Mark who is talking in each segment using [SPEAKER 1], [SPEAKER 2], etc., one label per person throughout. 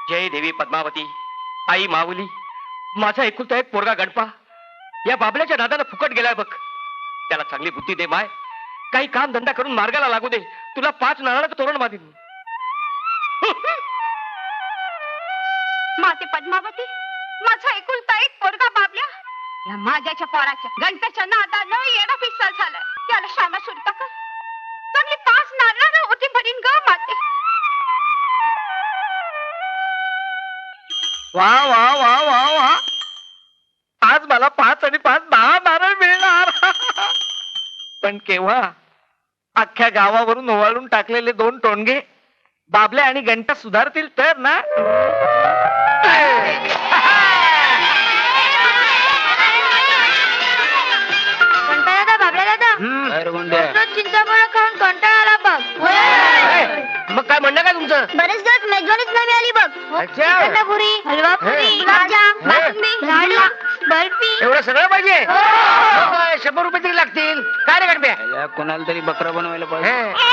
[SPEAKER 1] जय देवी पद्मावती, आई माऊली, माझा एकुलता एक पोरगा गणपा या बाबल्याच्या नादाला फुकट गेलाय बघ. त्याला चांगली बुद्धी दे माय, काही काम धंदा करून मार्गाला लागू दे. तुला 5 नारळाचं तोरण बांधीन.
[SPEAKER 2] माते पद्मावती, माझा एकुलता एक पोरगा बाबल्या या माझ्याच्या पोराच्या गणपतीच्या नादानं येणं पिसल झालं. त्याला शाळा सुरता कर, चांगली 5 नारळानं होती भरीन ग माते.
[SPEAKER 1] वा वा वा वा वा, आज मला 5 आणि 5 10 नारळ मिळणार. पण केव्हा? अख्ख्या गावावरून ओवाळून टाकलेले 2 टोणगे बाबल्या आणि गणपा सुधारतील तर ना.
[SPEAKER 2] कंटाळा दादा, बाबल्या दादा, चिंचाफळ खाऊन कंटाळा आला बघ.
[SPEAKER 1] मग काय म्हणणं काय तुमचं?
[SPEAKER 2] बरेच दिवस मेजवानीच नाही मिळाली बघ. पुरी, हलवा पुरी, गुलाबजाम, बासुंदी, लाडू, बर्फी,
[SPEAKER 1] एवढं सगळं पाहिजे? मग 100 रुपये तरी लागतील. काय रे गणप्या?
[SPEAKER 3] कोणाला तरी बकरा बनवायला पाहिजे.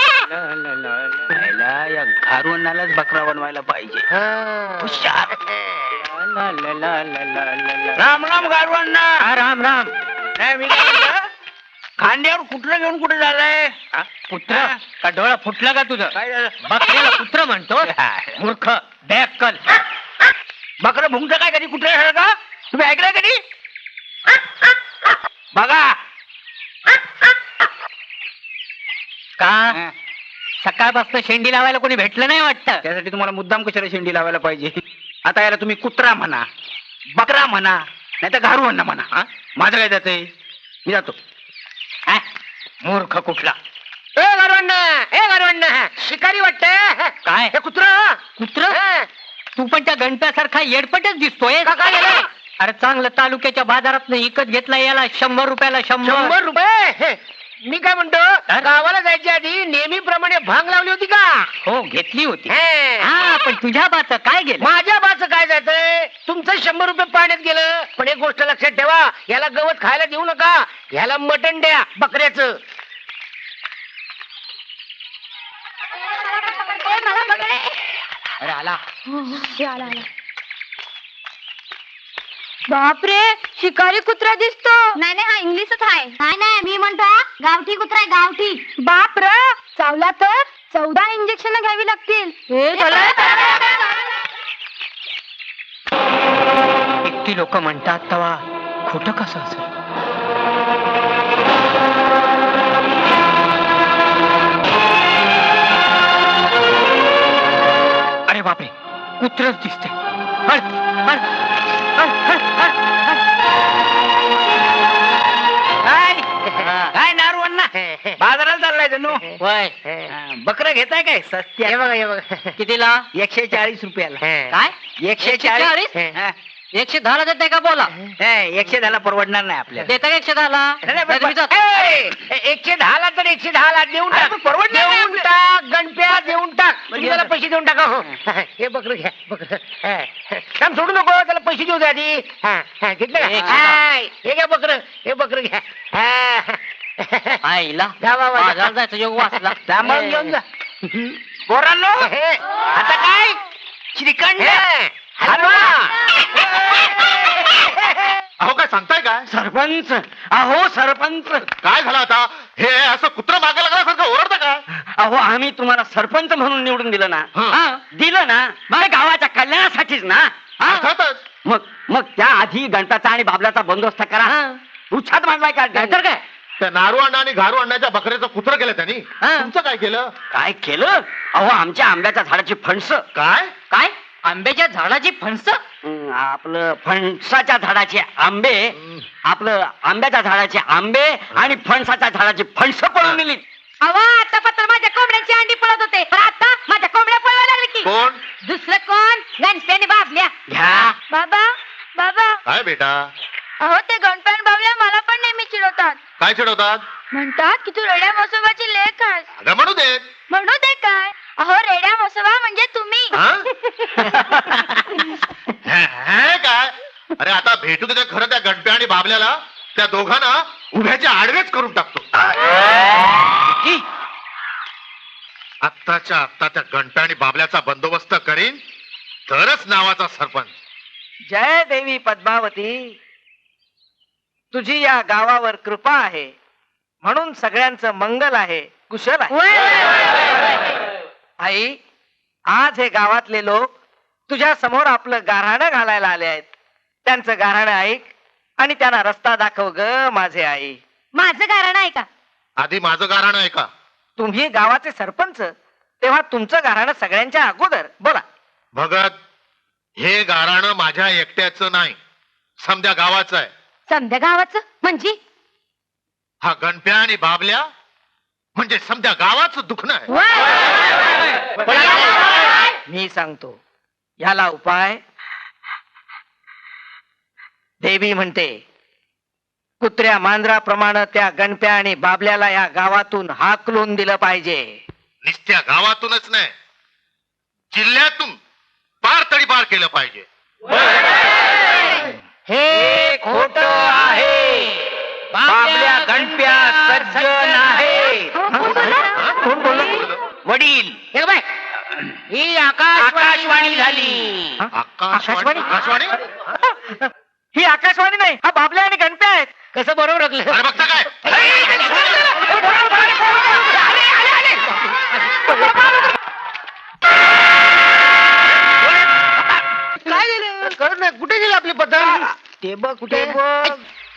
[SPEAKER 3] या घारवणालाच बकरा बनवायला पाहिजे. हुशार. राम राम गारवांना.
[SPEAKER 1] राम राम.
[SPEAKER 3] नाही मी काय म्हणतो, खांद्यावर कुठलं घेऊन कुठे झालंय?
[SPEAKER 1] पुत्र का डोळा फुटला का तुझं?
[SPEAKER 3] काय झालं?
[SPEAKER 1] बकऱ्याला पुत्र म्हणतो? मूर्ख, बॅकल.
[SPEAKER 3] बकरं भुंगत काय कधी कुठे झालं का? तुम्ही ऐकलंय कधी? बघा
[SPEAKER 1] का सकाळपासून शेंडी लावायला कोणी भेटलं नाही वाटतं?
[SPEAKER 3] त्यासाठी तुम्हाला मुद्दाम कशाला शेंडी लावायला पाहिजे? आता याला तुम्ही कुत्रा म्हणा, बकरा म्हणा, नाही तर घारवण म्हणा. माझं काय जातंय? मी जातो.
[SPEAKER 1] मूर्ख कुठला.
[SPEAKER 3] शिकारी वाटतंय
[SPEAKER 1] काय
[SPEAKER 3] हे कुत्र.
[SPEAKER 1] कुत्र? तू पण त्या गणप्यासारखा येडपटच दिसतोय.
[SPEAKER 3] काय झालं?
[SPEAKER 1] अरे चांगलं तालुक्याच्या बाजारात विकत घेतला याला 100 रुपयाला 100.
[SPEAKER 3] 100 रुपये? मी काय म्हणतो, गावाला जायच्या आधी नेहमीप्रमाणे भांग लावली होती का?
[SPEAKER 1] हो घेतली होती. हा पण तुझ्या बाच काय गेलं?
[SPEAKER 3] माझ्या बाचं काय जायचंय? तुमचं 100 रुपये पाण्यात गेलं. पण एक गोष्ट लक्षात ठेवा, याला गवत खायला देऊ नका. याला मटण द्या बकऱ्याचं.
[SPEAKER 2] मला बघणे.
[SPEAKER 3] अरे आला.
[SPEAKER 2] बापरे, शिकारी कुत्रा दिसतो. नाही नाही, हा इंग्लिशच आहे. नाही नाही, मी म्हणतो गावठी कुत्रा आहे, गावठी. बाप र, चावला तर 14 इंजेक्शन घ्यावी लागतील.
[SPEAKER 1] इतकी लोक म्हणतात तवा खोटं कसं असेल? अरे बापरे, कुत्रच दिसते.
[SPEAKER 3] काय नारवण्णा, बाजाराला चाललाय जणू. बकरं घेताय काय? सस्त्या. हे बघा हे बघा,
[SPEAKER 1] कितीला?
[SPEAKER 3] 140 रुपयाला.
[SPEAKER 1] काय?
[SPEAKER 3] 140?
[SPEAKER 1] 110 ला देताय का? बोला.
[SPEAKER 3] 110 परवडणार नाही आपल्याला.
[SPEAKER 1] देता का 110 ला?
[SPEAKER 3] 110 ला तर 110 ला देऊन टाक. परवडणार नाही. देऊन टाक गणप्या, देऊन टाक. तुम्ही त्याला पैसे देऊन टाका. हो हे बकरं घ्या, बकरं. काम सोडू नको, त्याला पैसे देऊ द्या आधी. घेतलं का? हे घ्या बकरं, हे बकरं घ्या.
[SPEAKER 1] आईला
[SPEAKER 3] जा बाबा, जा.
[SPEAKER 1] बाजारात जायचं योग वाचला.
[SPEAKER 3] सांभाळून घेऊन जा. पोरांनो, आता काय? श्रीखंड, हलवा.
[SPEAKER 4] अहो काय सांगताय काय?
[SPEAKER 1] सरपंच, अहो सरपंच,
[SPEAKER 4] काय झालं आता? हे असं कुत्रा मागे लागल्यासारखं ओरडतं का?
[SPEAKER 1] अहो आम्ही तुम्हाला सरपंच म्हणून निवडून दिलं ना.
[SPEAKER 4] हं.
[SPEAKER 1] दिलं ना, मग गावाच्या कल्याणासाठीच ना.
[SPEAKER 4] अर्थातच.
[SPEAKER 1] मग त्या आधी गणपतीचा आणि बाबल्याचा बंदोबस्त करा. उच्छाद मांडवाय का? नाहीतर काय?
[SPEAKER 4] त्या नारू अण्णा आणि घारू अण्णाच्या बकऱ्याचं कुत्र केलं त्यांनी.
[SPEAKER 1] हं.
[SPEAKER 4] तुमचं काय केलं?
[SPEAKER 1] काय केलं? अहो आमच्या आंब्याच्या झाडाची फणस.
[SPEAKER 4] काय?
[SPEAKER 1] काय? आंब्याच्या झाडाची फणस? आपलं फणसाच्या झाडाचे आंबे, आपलं आंब्याच्या झाडाचे आंबे आणि फणसाच्या झाडाची फणस पळून नेली.
[SPEAKER 2] अहो आता पत्र माझ्या कोंबड्यांची अंडी पळत होते, पण आता माझ्या कोंबड्या पळवायला लागले की.
[SPEAKER 4] कोण?
[SPEAKER 2] दुसरं कोण? गणप्याने बाबल्या.
[SPEAKER 1] घ्या.
[SPEAKER 2] बाबा बाबा,
[SPEAKER 4] काय बेटा?
[SPEAKER 2] अहो ते गणप्यान बाबल्या मला पण नेहमी चिडवतात.
[SPEAKER 4] काय चिडवतात?
[SPEAKER 2] म्हणतात की तू रेड्या म्हसोबाची लेक आहेस.
[SPEAKER 4] अगं म्हणू देत.
[SPEAKER 2] म्हणू दे काय? अहो रेड्या म्हसोबा म्हणजे तुम्ही.
[SPEAKER 4] हे काय? अरे आता भेटू दे खरं त्या गणप्या आणि बाबल्याला. त्या दोघांना उभ्याच्या आडवेच करून टाकतो. आत्ताच्या आत्ता त्या गणप्या आणि बाबल्याचा बंदोबस्त करीन तरच नावाचा सरपंच.
[SPEAKER 1] जय देवी पद्मावती, तुझी या गावावर कृपा आहे म्हणून सगळ्यांचं मंगल आहे, कुशल आहे. आई, आज हे गावातले लोक तुझ्या समोर आपलं गाऱ्हाणं घालायला आले आहेत. त्यांचं गाऱ्हाणं ऐक आणि त्यांना रस्ता दाखव ग माझे आई.
[SPEAKER 2] माझं कारण आहे का?
[SPEAKER 4] आधी माझं गाणं आहे का?
[SPEAKER 1] तुम्ही गावाचे सरपंच, तेव्हा तुमचं गाऱ्हाणं सगळ्यांच्या अगोदर बोला.
[SPEAKER 4] भगत, हे गाराणं माझ्या एकट्याचं नाही, समध्या गावाचं आहे.
[SPEAKER 2] समद्या गावाचं म्हणजे?
[SPEAKER 4] हा गणप्या आणि बाबल्या म्हणजे समध्या गावाचं दुखणं आहे.
[SPEAKER 1] मी सांगतो याला उपाय. देवी म्हणते कुत्र्या मांजराप्रमाणे त्या गणप्या आणि बाबल्याला या गावातून हाकलून दिलं पाहिजे.
[SPEAKER 4] नुसत्या गावातूनच नाही, जिल्ह्यातून पार तरी पार केलं पाहिजे.
[SPEAKER 1] हे खोट आहे. बाबल्या गणप्या सज्जन आहे. कोण बोललं?
[SPEAKER 3] वडील हे बाय, ही आकाशवाणी झाली.
[SPEAKER 4] आकाशवाणी? आकाशवाणी?
[SPEAKER 1] ही आकाशवाणी नाही, हा बाबल्या आणि गणप्या आहेत.
[SPEAKER 3] कसं बरोबर ओळखलं?
[SPEAKER 4] अरे बघता काय?
[SPEAKER 3] काय झालं कळत नाही. कुठे गेले आपले पतंग?
[SPEAKER 1] ते बघ कुठे बघ.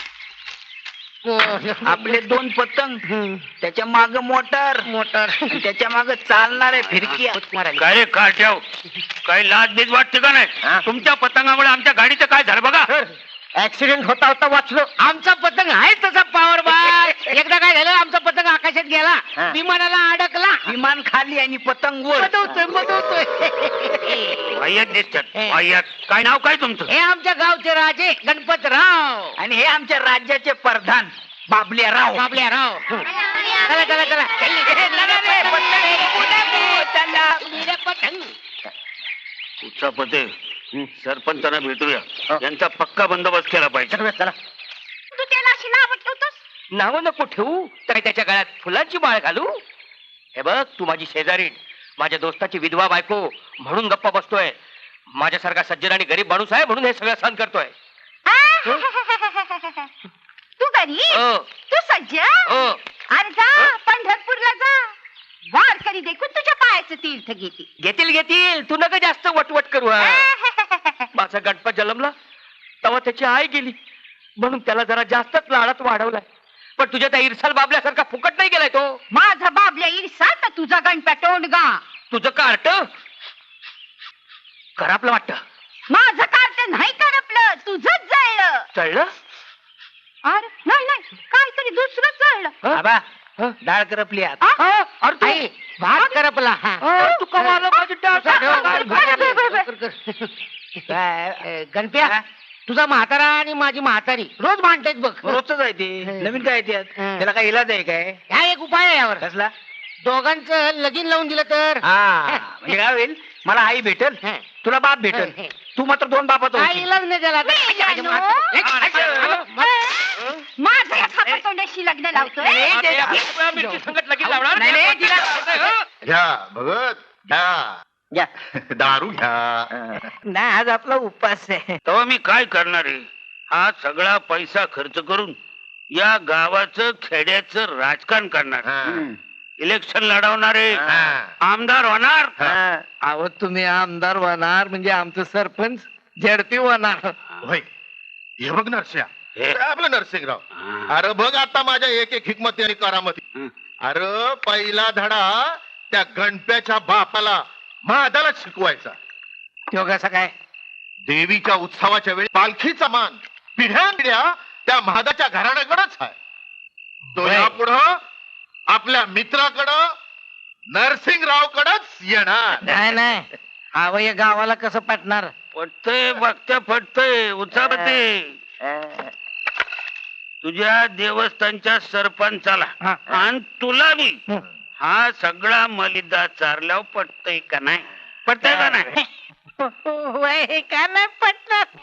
[SPEAKER 5] आपले 2 पतंग, त्याच्या माग मोटर आणि त्याच्या माग चालणारे फिरकी.
[SPEAKER 6] काय रे काय ठेव, काही लाज बीज वाटते का नाही? तुमच्या पतंगामुळे आमच्या गाडीचं काय झालं बघा.
[SPEAKER 1] ऍक्सिडेंट होता होता वाचलो.
[SPEAKER 3] आमचा पतंग आहे तसा पावर बाय. एकदा काय झालं, आमचा पतंग आकाशात गेला, विमानाला अडकला.
[SPEAKER 5] विमान खाली आणि पतंग वर.
[SPEAKER 3] बदवतोय.
[SPEAKER 6] वाह्यात दिसतात वाह्यात. काय नाव काय तुमचं?
[SPEAKER 3] हे आमच्या गावचे राजे गणपतराव.
[SPEAKER 5] आणि हे आमच्या राज्याचे प्रधान बाबल्याराव.
[SPEAKER 3] बाबल्याराव. चला चला चला.
[SPEAKER 6] तुझा पते सरपंचांना भेटूया, यांचा पक्का बंदोबस्त केला पाहिजे.
[SPEAKER 1] चला.
[SPEAKER 2] तू त्याला अशी नाव ठेवतोस?
[SPEAKER 1] नाव नको ठेवू, काय त्याच्या गळ्यात फुलांची माळ घालू? हे बघ, तू माझी शेजारी, माझ्या दोस्ताची विधवा बायको म्हणून गप्पा बसतोय. माझ्यासारखा सज्जन आणि गरीब माणूस आहे म्हणून हे सगळं सहन करतोय.
[SPEAKER 2] तू गरीब,
[SPEAKER 1] हो.
[SPEAKER 2] तू सज्ज.
[SPEAKER 1] हो.
[SPEAKER 2] अरे जा पंढरपूरला जा, वारकरी देखून तुझ्या पायाचं तीर्थ घेतील.
[SPEAKER 1] घेतील. तू नका जास्त वटवट करू. हा. माझा गणपत जन्मला तेव्हा त्याची आई गेली म्हणून त्याला जरा जास्तच लाडात वाढवलाय. पण तुझ्या त्या इरसाल बाबल्यासारखा फुकट नाही गेलाय तो.
[SPEAKER 2] माझा बाबल्या इरसा तर तुझा गणप्या टोंडगा.
[SPEAKER 1] तुझं कार्ट खराबलं वाटत.
[SPEAKER 2] माझं कार्ट नाही करपलं, तुझंच जळलं.
[SPEAKER 1] चळलं?
[SPEAKER 2] अरे नाही काहीतरी दुसरंच जळलं.
[SPEAKER 5] बाबा, डाळ करपली आत.
[SPEAKER 1] अरे तू-
[SPEAKER 3] आई, भात करपला.
[SPEAKER 1] अरे तू कमाल माझी डाळ.
[SPEAKER 3] काय, गणप्या, तुझा म्हातारा आणि माझी म्हातारी रोज भांडतायत बघ.
[SPEAKER 5] रोजच आहे ते. नवीन काय त्यात? त्याला काय इलाज आहे काय?
[SPEAKER 3] हा एक उपाय आहे यावर.
[SPEAKER 5] कसला?
[SPEAKER 3] दोघांचं लगीन लावून दिलं तर.
[SPEAKER 5] हा, म्हणजे काय होईल, मला आई भेटल, तुला बाप भेटल. तू मात्र 2 बापाचा
[SPEAKER 3] काय
[SPEAKER 5] होशील.
[SPEAKER 3] इलाज नाही त्याला.
[SPEAKER 2] माझं या खापरतोंड्याशी लग्न लावतोय.
[SPEAKER 1] मिरची संगत लगीन लावणार?
[SPEAKER 3] नाही, नाही,
[SPEAKER 4] घ्या भगत, घ्या दारू घ्या.
[SPEAKER 1] नाही, आज आपला उपास आहे.
[SPEAKER 6] तेव्हा मी काय करणार आहे? हा सगळा पैसा खर्च करून या गावाचं खेड्याचं राजकारण करणार. इलेक्शन लढवणारे आमदार होणार.
[SPEAKER 1] अहो, तुम्ही आमदार होणार म्हणजे आमचं सरपंच झडपी होणार.
[SPEAKER 4] होय, हे बघ नरस्या,
[SPEAKER 6] हे.
[SPEAKER 4] आपलं नरसिंगराव. अरे बघ आता माझ्या एक हिकमती आणि करामती. अरे पहिला धडा त्या गणप्याच्या बापाला महादाला शिकवायचा.
[SPEAKER 1] तो कसा काय?
[SPEAKER 4] देवीच्या उत्सवाच्या वेळी पालखीचा मान पिढ्या त्या महादाच्या घराण्याकडेच आहे. तो
[SPEAKER 1] होय.
[SPEAKER 4] यापुढं आपल्या मित्राकडं नरसिंगरावकडच येणार.
[SPEAKER 1] नाही अहो, या गावाला कसं पटणार?
[SPEAKER 6] पटतय बघत्या पटतय उचापते. तुझ्या देवस्थानच्या सरपंचाला
[SPEAKER 1] हा.
[SPEAKER 6] आणि तुला बी
[SPEAKER 1] हं.
[SPEAKER 6] हा सगळा मलिदा चारल्यावर पटतय का नाही? पटतय का नाही?
[SPEAKER 1] होय, का नाही पटणार?